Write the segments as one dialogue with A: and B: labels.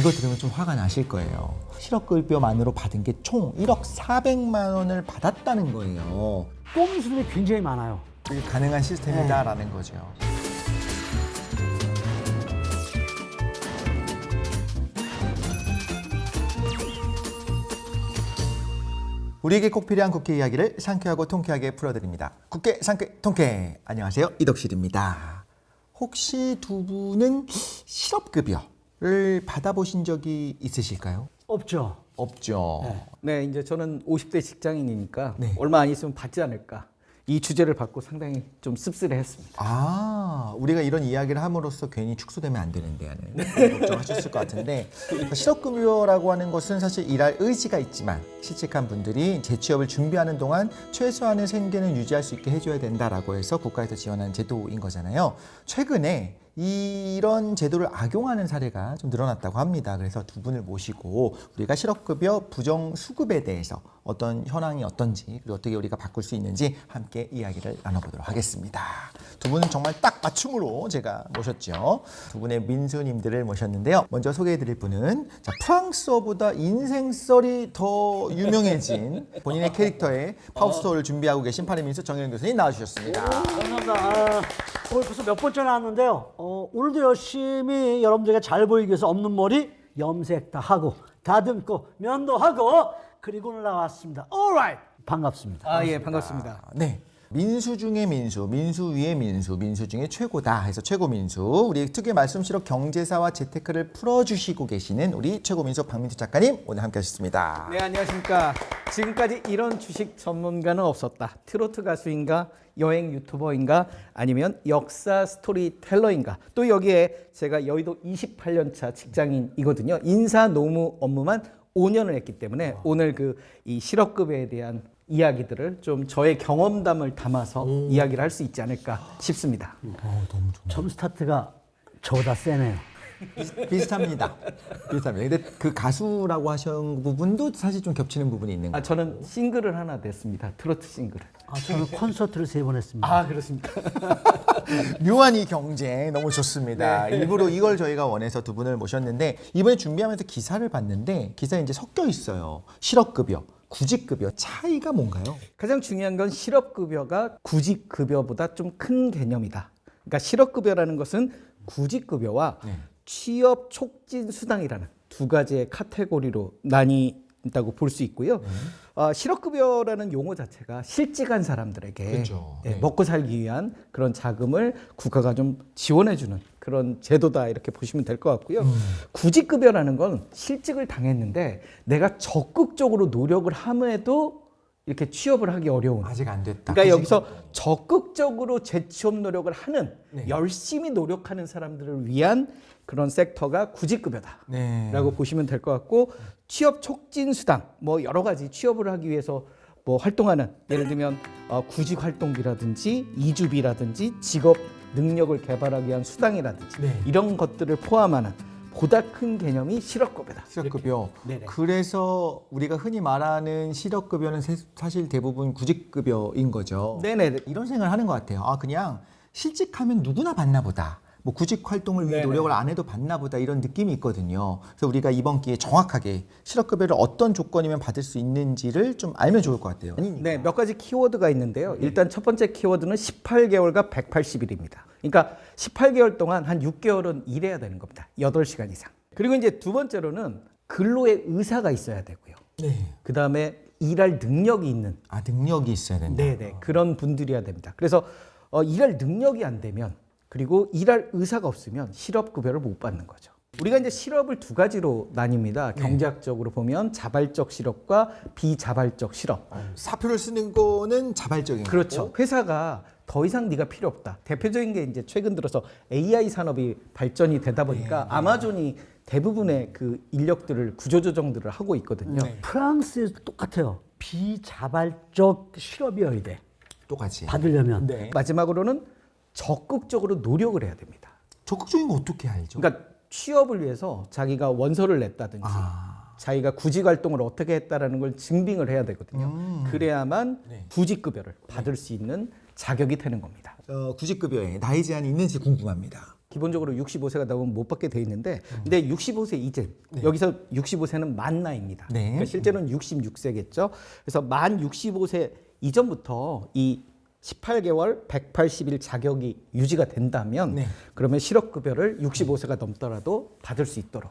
A: 이거 들으면 좀 화가 나실 거예요. 실업급여만으로 받은 게 총 1억 400만 원을 받았다는 거예요.
B: 꼼수들이 굉장히 많아요.
A: 이게 가능한 시스템이다라는 거죠. 우리에게 꼭 필요한 국회 이야기를 상쾌하고 통쾌하게 풀어드립니다. 국회 상쾌 통쾌. 안녕하세요, 이덕실입니다. 혹시 두 분은 실업급여를 받아보신 적이 있으실까요?
B: 없죠.
A: 없죠.
C: 네, 이제 저는 50대 직장인이니까
A: 네.
C: 얼마 안 있으면 받지 않을까. 이 주제를 받고 상당히 좀 씁쓸해했습니다.
A: 아, 우리가 이런 이야기를 함으로써 괜히 축소되면 안 되는데 하는 걱정하셨을 것 같은데, 실업급여라고 하는 것은 사실 일할 의지가 있지만 실직한 분들이 재취업을 준비하는 동안 최소한의 생계는 유지할 수 있게 해줘야 된다라고 해서 국가에서 지원하는 제도인 거잖아요. 최근에 이런 제도를 악용하는 사례가 좀 늘어났다고 합니다. 그래서 두 분을 모시고 우리가 실업급여 부정수급에 대해서 어떤 현황이 어떤지, 그리고 어떻게 우리가 바꿀 수 있는지 함께 이야기를 나눠보도록 하겠습니다. 두 분은 정말 딱 맞춤으로 제가 모셨죠. 두 분의 민수님들을 모셨는데요. 먼저 소개해드릴 분은 프랑스어보다 인생썰이 더 유명해진 본인의 캐릭터의 파우스토를 준비하고 계신 파리 민수 정혜영 교수님 나와주셨습니다.
B: 감사합니다. 오늘 벌써 몇 번째 나왔는데요. 오늘도 열심히 여러분들에게 잘 보이기 위해서 없는 머리 염색 다 하고 다듬고 면도 하고 그리고 오늘 나왔습니다. Alright. 반갑습니다.
C: 아, 예, 반갑습니다.
A: 네. 민수 중에 민수, 민수 위에 민수, 민수 중에 최고다 해서 최고 민수. 우리 특유의 말씀실업 경제사와 재테크를 풀어주시고 계시는 우리 최고 민수 박민수 작가님 오늘 함께하셨습니다.
C: 네, 안녕하십니까. 지금까지 이런 주식 전문가는 없었다. 트로트 가수인가, 여행 유튜버인가, 아니면 역사 스토리텔러인가. 또 여기에 제가 여의도 28년차 직장인이거든요. 인사 노무 업무만 5년을 했기 때문에 오늘 이 실업급여에 대한 이야기들을 좀 저의 경험담을 담아서 이야기를 할 수 있지 않을까 싶습니다.
B: 처음 스타트가 저보다 세네요.
A: 비슷합니다. 비슷합니다. 근데 그 가수라고 하신 부분도 사실 좀 겹치는 부분이 있는 거예요.
C: 저는 싱글을 하나 냈습니다. 트로트 싱글을.
B: 저는 콘서트를 3번 했습니다.
C: 아, 그렇습니까?
A: 묘한 이 경쟁 너무 좋습니다. 일부러 이걸 저희가 원해서 두 분을 모셨는데 이번에 준비하면서 기사를 봤는데 기사에 이제 섞여 있어요. 실업급여, 구직급여 차이가 뭔가요?
C: 가장 중요한 건 실업급여가 구직급여보다 좀 큰 개념이다. 그러니까 실업급여라는 것은 구직급여와 취업 촉진 수당이라는 두 가지의 카테고리로 나뉜다고 볼 수 있고요. 실업급여라는 용어 자체가 실직한 사람들에게
A: 그렇죠. 네.
C: 먹고 살기 위한 그런 자금을 국가가 좀 지원해주는 그런 제도다 이렇게 보시면 될 것 같고요. 구직급여라는 건 실직을 당했는데 내가 적극적으로 노력을 함에도 이렇게 취업을 하기 어려운.
A: 아직 안 됐다.
C: 그러니까 여기서 적극적으로 재취업 노력을 하는
A: 네.
C: 열심히 노력하는 사람들을 위한 그런 섹터가 구직급여다라고
A: 네.
C: 보시면 될 것 같고 취업 촉진 수당 뭐 여러 가지 취업을 하기 위해서 뭐 활동하는 예를 들면 구직 활동비라든지 이주비라든지 직업 능력을 개발하기 위한 수당이라든지
A: 네.
C: 이런 것들을 포함하는 보다 큰 개념이 실업급여다.
A: 실업급여.
B: 네네.
A: 그래서 우리가 흔히 말하는 실업급여는 사실 대부분 구직급여인 거죠.
C: 네네.
A: 이런 생각을 하는 것 같아요. 그냥 실직하면 누구나 받나 보다. 뭐 구직 활동을 위해
C: 네네.
A: 노력을 안 해도 받나 보다 이런 느낌이 있거든요. 그래서 우리가 이번 기회에 정확하게 실업급여를 어떤 조건이면 받을 수 있는지를 좀 알면 좋을 것 같아요.
C: 네, 몇 가지 키워드가 있는데요. 일단 첫 번째 키워드는 18개월과 180일입니다. 그러니까 18개월 동안 한 6개월은 일해야 되는 겁니다. 8시간 이상. 그리고 이제 두 번째로는 근로의 의사가 있어야 되고요.
A: 네.
C: 그다음에 일할 능력이 있는
A: 능력이 있어야 된다.
C: 네네 그런 분들이어야 됩니다. 그래서 일할 능력이 안 되면 그리고 일할 의사가 없으면 실업급여를 못 받는 거죠. 우리가 이제 실업을 두 가지로 나뉩니다. 경제학적으로 보면 자발적 실업과 비자발적 실업.
A: 사표를 쓰는 거는 자발적인
C: 그렇죠.
A: 거고.
C: 회사가 더 이상 네가 필요 없다. 대표적인 게 이제 최근 들어서 AI 산업이 발전이 되다 보니까 아마존이 대부분의 그 인력들을 구조조정들을 하고 있거든요.
B: 프랑스에서 똑같아요. 비자발적 실업이어야 돼.
A: 똑같이.
B: 받으려면.
A: 네.
C: 마지막으로는 적극적으로 노력을 해야 됩니다.
A: 적극적인 거 어떻게 알죠?
C: 그러니까 취업을 위해서 자기가 원서를 냈다든지 자기가 구직 활동을 어떻게 했다라는 걸 증빙을 해야 되거든요. 그래야만
A: 네.
C: 구직급여를 받을 수 있는 자격이 되는 겁니다.
A: 구직급여에 나이 제한이 있는지 궁금합니다.
C: 기본적으로 65세가 넘으면 못 받게 돼 있는데 근데 65세 이제 여기서 65세는 만 나이입니다.
A: 네.
C: 그러니까 실제로는 66세겠죠. 그래서 만 65세 이전부터 이 18개월 180일 자격이 유지가 된다면
A: 네.
C: 그러면 실업급여를 65세가 넘더라도 받을 수 있도록.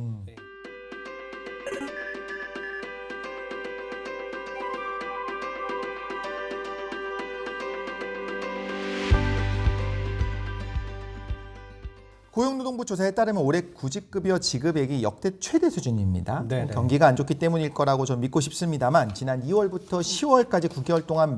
A: 고용노동부 조사에 따르면 올해 구직급여 지급액이 역대 최대 수준입니다.
C: 네네.
A: 경기가 안 좋기 때문일 거라고 좀 믿고 싶습니다만 지난 2월부터 10월까지 9개월 동안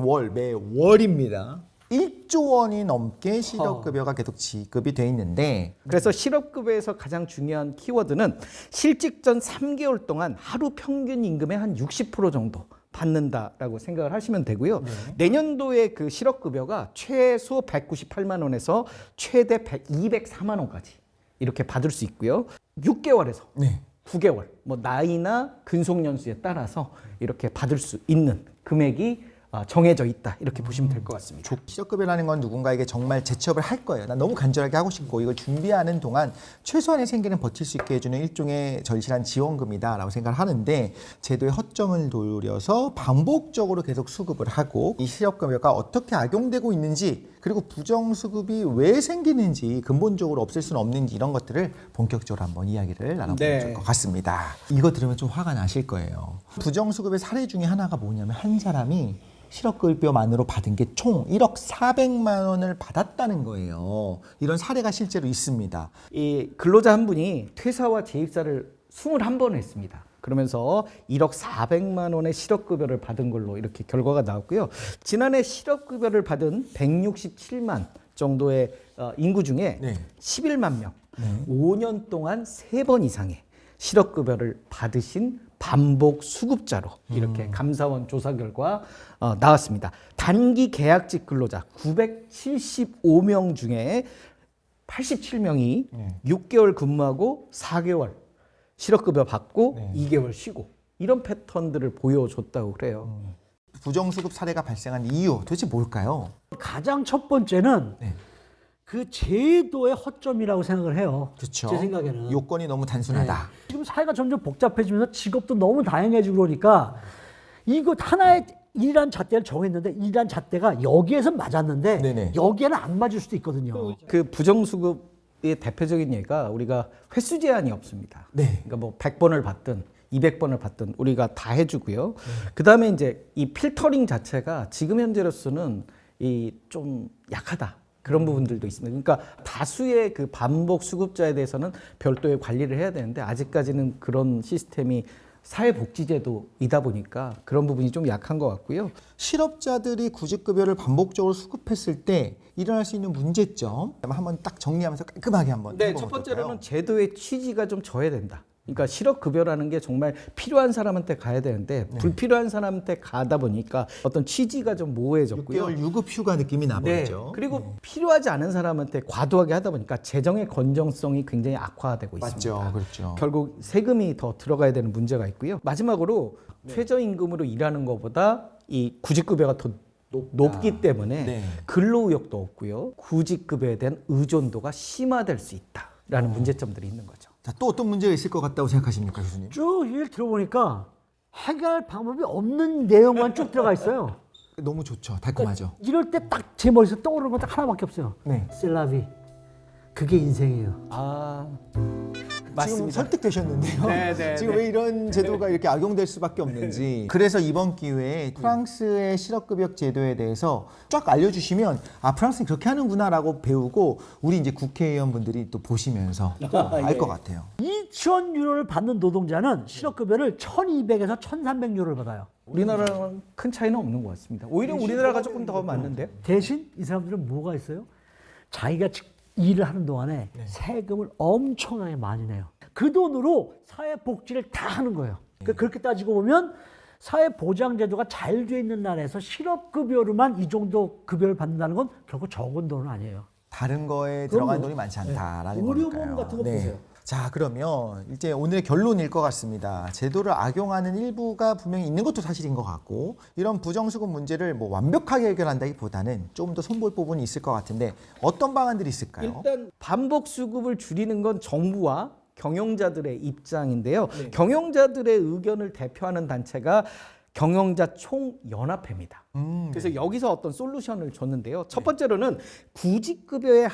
A: 매월입니다. 1조 원이 넘게 실업급여가 계속 지급이 돼 있는데
C: 그래서 실업급여에서 가장 중요한 키워드는 실직 전 3개월 동안 하루 평균 임금의 한 60% 정도 받는다라고 생각을 하시면 되고요. 내년도에 그 실업급여가 최소 198만 원에서 최대 204만 원까지 이렇게 받을 수 있고요. 6개월에서
A: 네.
C: 9개월, 뭐 나이나 근속연수에 따라서 이렇게 받을 수 있는 금액이 정해져 있다 이렇게 보시면 될 것 같습니다.
A: 실업급여라는 건 누군가에게 정말 재취업을 할 거예요. 난 너무 간절하게 하고 싶고 이걸 준비하는 동안 최소한의 생계는 버틸 수 있게 해주는 일종의 절실한 지원금이다라고 생각을 하는데 제도의 허점을 노려서 반복적으로 계속 수급을 하고 이 실업급여가 어떻게 악용되고 있는지 그리고 부정수급이 왜 생기는지 근본적으로 없앨 수는 없는지 이런 것들을 본격적으로 한번 이야기를 나눠보면
C: 네.
A: 좋을 것 같습니다. 이거 들으면 좀 화가 나실 거예요. 부정수급의 사례 중에 하나가 뭐냐면 한 사람이 실업급여만으로 받은 게 총 1억 400만 원을 받았다는 거예요. 이런 사례가 실제로 있습니다.
C: 이 근로자 한 분이 퇴사와 재입사를 21번 했습니다. 그러면서 1억 400만 원의 실업급여를 받은 걸로 이렇게 결과가 나왔고요. 지난해 실업급여를 받은 167만 정도의 인구 중에
A: 네.
C: 11만 명, 5년 동안 3번 이상의 실업급여를 받으신 반복 수급자로 이렇게 감사원 조사 결과 나왔습니다. 단기 계약직 근로자 975명 중에 87명이 6개월 근무하고 4개월 실업급여 받고 2개월 쉬고 이런 패턴들을 보여줬다고 그래요.
A: 부정수급 사례가 발생한 이유 도대체 뭘까요?
B: 가장 첫 번째는
A: 네.
B: 그 제도의 허점이라고 생각을 해요.
A: 그렇죠.
B: 제 생각에는.
A: 요건이 너무 단순하다.
B: 지금 사회가 점점 복잡해지면서 직업도 너무 다양해지고 그러니까 이거 하나의 일이란 잣대를 정했는데 일이란 잣대가 여기에서 맞았는데
A: 네네.
B: 여기에는 안 맞을 수도 있거든요.
C: 그 부정수급의 대표적인 예가 우리가 회수 제한이 없습니다.
A: 네.
C: 그러니까 뭐 100번을 받든 200번을 받든 우리가 다 해주고요. 그다음에 이제 이 필터링 자체가 지금 현재로서는 이 좀 약하다. 그런 부분들도 있습니다. 그러니까 다수의 그 반복 수급자에 대해서는 별도의 관리를 해야 되는데 아직까지는 그런 시스템이 사회복지제도이다 보니까 그런 부분이 좀 약한 것 같고요.
A: 실업자들이 구직급여를 반복적으로 수급했을 때 일어날 수 있는 문제점 한번 딱 정리하면서 깔끔하게 한번
C: 네,
A: 해보면
C: 첫
A: 어떨까요?
C: 번째로는 제도의 취지가 좀 져야 된다. 그러니까 실업급여라는 게 정말 필요한 사람한테 가야 되는데 불필요한 사람한테 가다 보니까 어떤 취지가 좀 모호해졌고요.
A: 6개월 유급 휴가 느낌이
C: 네.
A: 나버리죠.
C: 그리고 필요하지 않은 사람한테 과도하게 하다 보니까 재정의 건전성이 굉장히 악화되고 있습니다.
A: 맞죠. 그렇죠.
C: 결국 세금이 더 들어가야 되는 문제가 있고요. 마지막으로 최저임금으로 일하는 것보다 이 구직급여가 더 높기 때문에
A: 네.
C: 근로의욕도 없고요. 구직급여에 대한 의존도가 심화될 수 있다라는 문제점들이 있는 거죠.
A: 자, 또 어떤 문제가 있을 것 같다고 생각하십니까, 교수님?
B: 쭉 얘기를 들어보니까 해결할 방법이 없는 내용만 쭉 들어가 있어요.
A: 너무 좋죠. 달콤하죠.
B: 이럴 때 딱 제 머릿속에 떠오르는 건 딱 하나밖에 없어요.
A: 네.
B: 셀라비. 그게 인생이에요.
C: 아,
A: 지금
C: 맞습니다.
A: 설득되셨는데요.
C: 네, 네,
A: 지금
C: 네.
A: 왜 이런 제도가 이렇게 악용될 수밖에 없는지. 그래서 이번 기회에 프랑스의 실업급여 제도에 대해서 쫙 알려주시면 아 프랑스는 그렇게 하는구나라고 배우고 우리 이제 국회의원분들이 또 보시면서 알 것 같아요.
B: 2,000유로를 받는 노동자는 실업급여를 1,200에서 1,300유로를 받아요.
C: 우리나라랑 큰 차이는 없는 것 같습니다. 오히려 우리나라가 조금 더 많은데요.
B: 대신 이 사람들은 뭐가 있어요? 자기가 일을 하는 동안에 세금을 엄청나게 많이 내요. 그 돈으로 사회복지를 다 하는 거예요. 그러니까 그렇게 따지고 보면 사회보장제도가 잘 돼 있는 나라에서 실업급여로만 이 정도 급여를 받는다는 건 결코 적은 돈은 아니에요.
A: 다른 거에 들어간 돈이 많지 않다라는
B: 의료보험
A: 거니까요.
B: 같은 거 보세요.
A: 자, 그러면 이제 오늘의 결론일 것 같습니다. 제도를 악용하는 일부가 분명히 있는 것도 사실인 것 같고, 이런 부정수급 문제를 뭐 완벽하게 해결한다기보다는 좀 더 손볼 부분이 있을 것 같은데 어떤 방안들이 있을까요?
C: 일단 반복 수급을 줄이는 건 정부와 경영자들의 입장인데요. 경영자들의 의견을 대표하는 단체가 경영자 총연합회입니다. 그래서 여기서 어떤 솔루션을 줬는데요. 첫 번째로는 구직급여의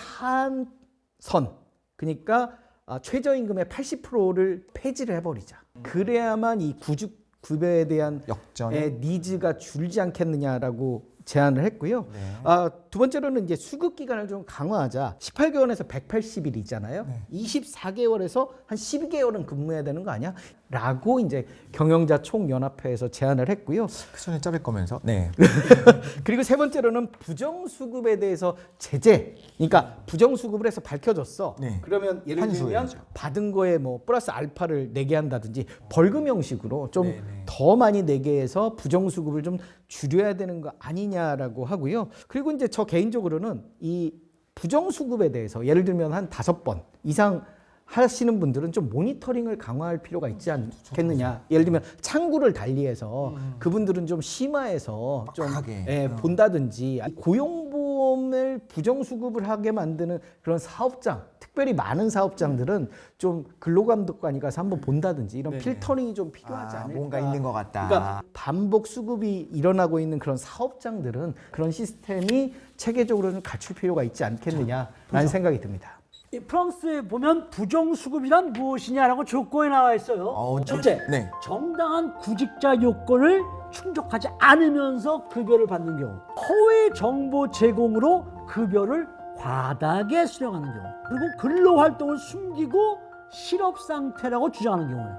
C: 한선, 그러니까 최저임금의 80%를 폐지를 해버리자. 그래야만 이 구직급여에 대한
A: 역전의
C: 니즈가 줄지 않겠느냐라고 제안을 했고요. 두 번째로는 이제 수급 기간을 좀 강화하자. 18개월에서 180일이잖아요. 24개월에서 한 12개월은 근무해야 되는 거 아니야? 라고 이제 경영자 총연합회에서 제안을 했고요.
A: 그 전에 자를 거면서. 네.
C: 그리고 세 번째로는 부정수급에 대해서 제재. 그러니까 부정수급을 해서 밝혀졌어.
A: 네.
C: 그러면 예를 들면
A: 환수해야죠.
C: 받은 거에 뭐 플러스 알파를 내게 한다든지 벌금 형식으로 좀 더 많이 내게 해서 부정수급을 좀 줄여야 되는 거 아니냐라고 하고요. 그리고 이제 저 개인적으로는 이 부정수급에 대해서 예를 들면 한 5번 이상 하시는 분들은 좀 모니터링을 강화할 필요가 있지 않겠느냐. 예를 들면 창구를 달리해서 그분들은 좀 심화해서 좀 본다든지, 고용보험을 부정수급을 하게 만드는 그런 사업장, 특별히 많은 사업장들은 좀 근로감독관이 가서 한번 본다든지 이런 필터링이 좀 필요하지 않을까.
A: 뭔가 있는 것 같다.
C: 그러니까 반복 수급이 일어나고 있는 그런 사업장들은 그런 시스템이 체계적으로 좀 갖출 필요가 있지 않겠느냐라는 생각이 듭니다.
B: 이 프랑스에 보면 부정수급이란 무엇이냐라고 조건에 나와 있어요. 첫째,
A: 네.
B: 정당한 구직자 요건을 충족하지 않으면서 급여를 받는 경우, 허위 정보 제공으로 급여를 과다하게 수령하는 경우, 그리고 근로활동을 숨기고 실업 상태라고 주장하는 경우예요.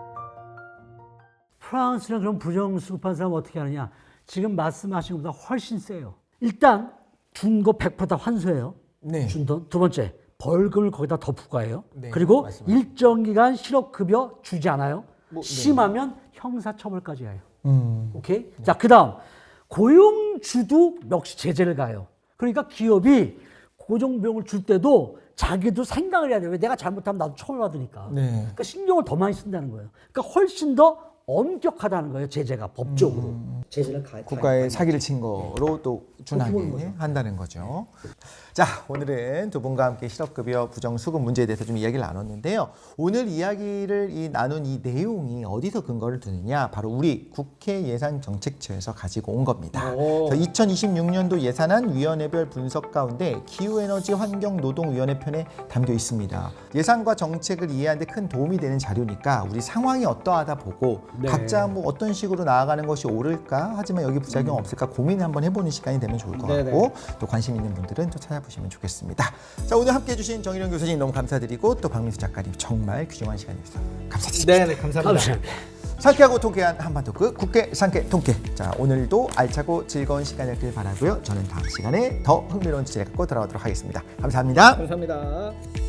B: 프랑스는 그럼 부정수급한 사람 어떻게 하느냐? 지금 말씀하신 것보다 훨씬 세요. 일단 준 거 100% 다 환수해요.
A: 네.
B: 준 돈. 두 번째, 벌금을 거기다 더 부과해요.
A: 네,
B: 그리고
A: 맞습니다.
B: 일정 기간 실업급여 주지 않아요. 심하면 형사처벌까지 해요. 오케이? 자, 그다음 고용주도 역시 제재를 가요. 그러니까 기업이 고정비용을 줄 때도 자기도 생각을 해야 돼요. 왜 내가 잘못하면 나도 처벌받으니까.
A: 네.
B: 그러니까 신경을 더 많이 쓴다는 거예요. 그러니까 훨씬 더 엄격하다는 거예요. 제재가 법적으로. 제재를
A: 국가의 사기를 친 거로 또
B: 그렇게 보는
A: 준하게
B: 거죠.
A: 한다는 거죠. 자, 오늘은 두 분과 함께 실업급여 부정수급 문제에 대해서 좀 이야기를 나눴는데요. 오늘 이야기를 나눈 이 내용이 어디서 근거를 두느냐? 바로 우리 국회 예산정책처에서 가지고 온 겁니다. 2026년도 예산안 위원회별 분석 가운데 기후에너지 환경노동위원회 편에 담겨 있습니다. 예산과 정책을 이해하는 데 큰 도움이 되는 자료니까 우리 상황이 어떠하다 보고 각자 뭐 어떤 식으로 나아가는 것이 옳을까? 하지만 여기 부작용 없을까? 고민을 한번 해보는 시간이 되면 좋을 것 같고 또 관심 있는 분들은 또 찾아보시면 좋겠습니다. 자, 오늘 함께해 주신 정일영 교수님 너무 감사드리고 또 박민수 작가님 정말 귀중한 시간이었어요. 감사드립니다.
C: 네, 감사합니다.
B: 감사합니다.
A: 상쾌하고 통쾌한 한반도급 국회 상쾌 통쾌. 자, 오늘도 알차고 즐거운 시간이었길 바라고요. 저는 다음 시간에 더 흥미로운 주제 갖고 돌아오도록 하겠습니다. 감사합니다.
C: 감사합니다.